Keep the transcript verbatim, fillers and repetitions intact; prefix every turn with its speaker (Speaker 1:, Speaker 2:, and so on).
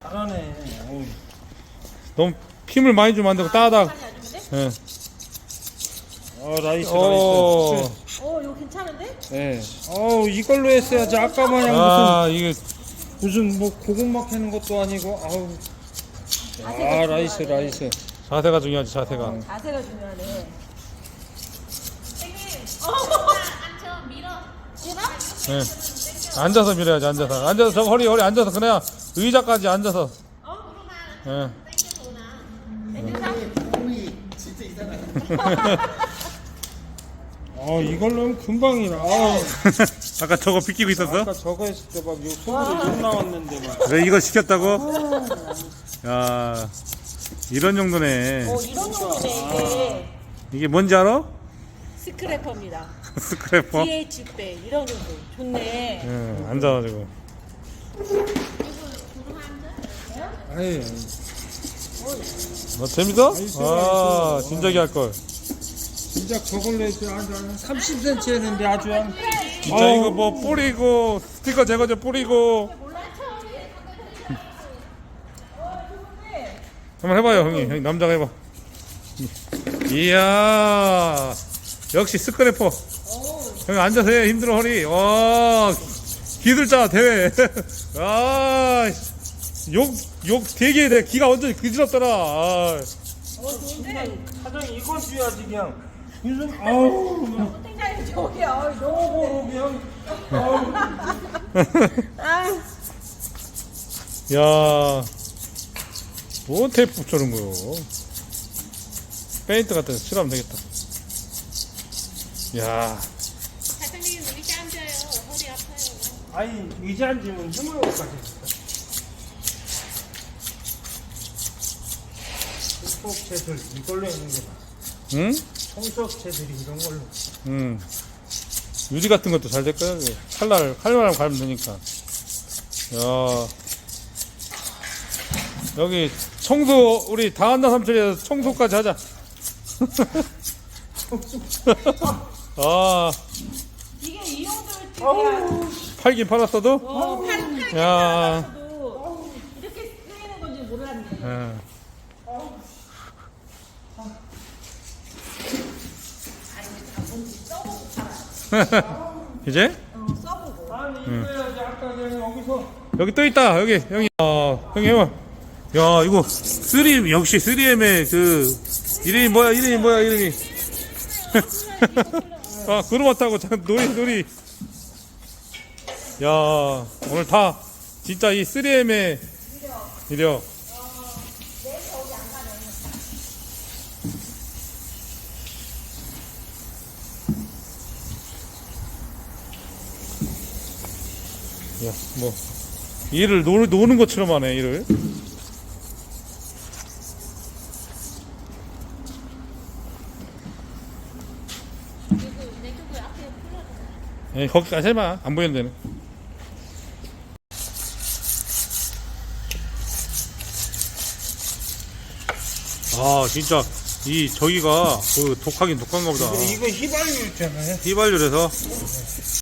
Speaker 1: 잘하네. 어우.
Speaker 2: 너무 힘을 많이 주면 안 되고 따닥. 예.
Speaker 1: 어, 라이스,
Speaker 2: 오.
Speaker 1: 라이스.
Speaker 3: 어, 이거 괜찮은데?
Speaker 1: 예. 어우, 이걸로 했어야지. 아까 마냥
Speaker 2: 아, 이게
Speaker 1: 무슨, 무슨 뭐 고구마 캐는 것도 아니고, 아우. 아, 라이스, 라이스.
Speaker 2: 자세가 중요하지, 자세가.
Speaker 3: 자세가 중요하네.
Speaker 4: 앉아 밀어.
Speaker 3: 싫어?
Speaker 2: 예. 앉아서 밀어야지, 앉아서. 앉아서, 저 허리, 허리 앉아서, 그래야 의자까지 앉아서. 예.
Speaker 1: 어, 이걸로 하면 금방이라. 아,
Speaker 2: 아까 저거 비키고 있었어?
Speaker 1: 아까 저거 했을 때 막, 요 속으로 욕 나왔는데 막.
Speaker 2: 왜 이거 시켰다고? 야, 이런 정도네.
Speaker 3: 어, 이런 정도네, 이게.
Speaker 2: 이게 뭔지 알아?
Speaker 3: 스크래퍼입니다.
Speaker 2: 스크래퍼?
Speaker 3: 디에이치 백, 이런 정도. 좋네.
Speaker 2: 예, 앉아가지고.
Speaker 1: 아이,
Speaker 2: 너 재밌어? 아, 진작에 할걸.
Speaker 1: 진짜 저걸로 했지. 한 삼십 센티미터 했는데 아주 한.
Speaker 2: 진짜 이거 뭐 뿌리고, 스티커 제거제 뿌리고. 한번 해봐요, 형님. 형님, 남자가 해봐. 이야, 역시 스크래퍼. 형님, 앉아서 해. 힘들어, 허리. 와, 기술자 대회. 아, 욕, 욕 되게 돼. 기가 완전히 그지럽더라. 아.
Speaker 1: 사장 이건 줘야지 그냥. 무슨 아우.
Speaker 3: 팀장님, 저기요. 너무.
Speaker 1: 저거로 그냥. 아우.
Speaker 3: 아,
Speaker 2: 야, 뭐 테이프 붙여놓은 거요? 페인트 같은 거 칠하면 되겠다. 야,
Speaker 4: 사장님 의자 앉아요. 허리 아파요.
Speaker 1: 아니 의자 앉으면 힘을 못 가져. 청소업체들 이걸로 했는 게 나아.
Speaker 2: 응?
Speaker 1: 청소업체들이 이런 걸로.
Speaker 2: 응. 유리 같은 것도 잘 될 거야. 칼날, 칼날만 갈면 되니까. 야, 여기 청소, 우리 다한나 삼촌에서 청소까지 하자. 아,
Speaker 3: 이게 이 정도를
Speaker 2: 팔긴 팔았어도?
Speaker 3: 어, 팔, 팔,
Speaker 2: 야,
Speaker 3: 도 이렇게 쓰이는 건지 몰랐네.
Speaker 2: 예. 이제?
Speaker 3: 어, 써보고.
Speaker 1: 아니 이거 해야지. 아까 그냥 여기서.
Speaker 2: 여기 또 있다. 여기 형이. 아, 형이 해봐. 야, 이거 쓰리 역시 쓰리엠의 그 이름이 뭐야? 이름이 뭐야? 이름이. 아, 그루마 타고 참 놀이 놀이. 야, 오늘 다 진짜 이 쓰리엠의 이력. 야, 뭐 일을 노, 노는 것처럼 하네, 일을.
Speaker 4: 내 그거 앞에 풀어.
Speaker 2: 예, 거기까지 해봐. 안 보이는 데는. 아, 진짜 이 저기가 그 독하긴 독한가 보다.
Speaker 1: 이거 휘발유 있잖아요.
Speaker 2: 휘발유라서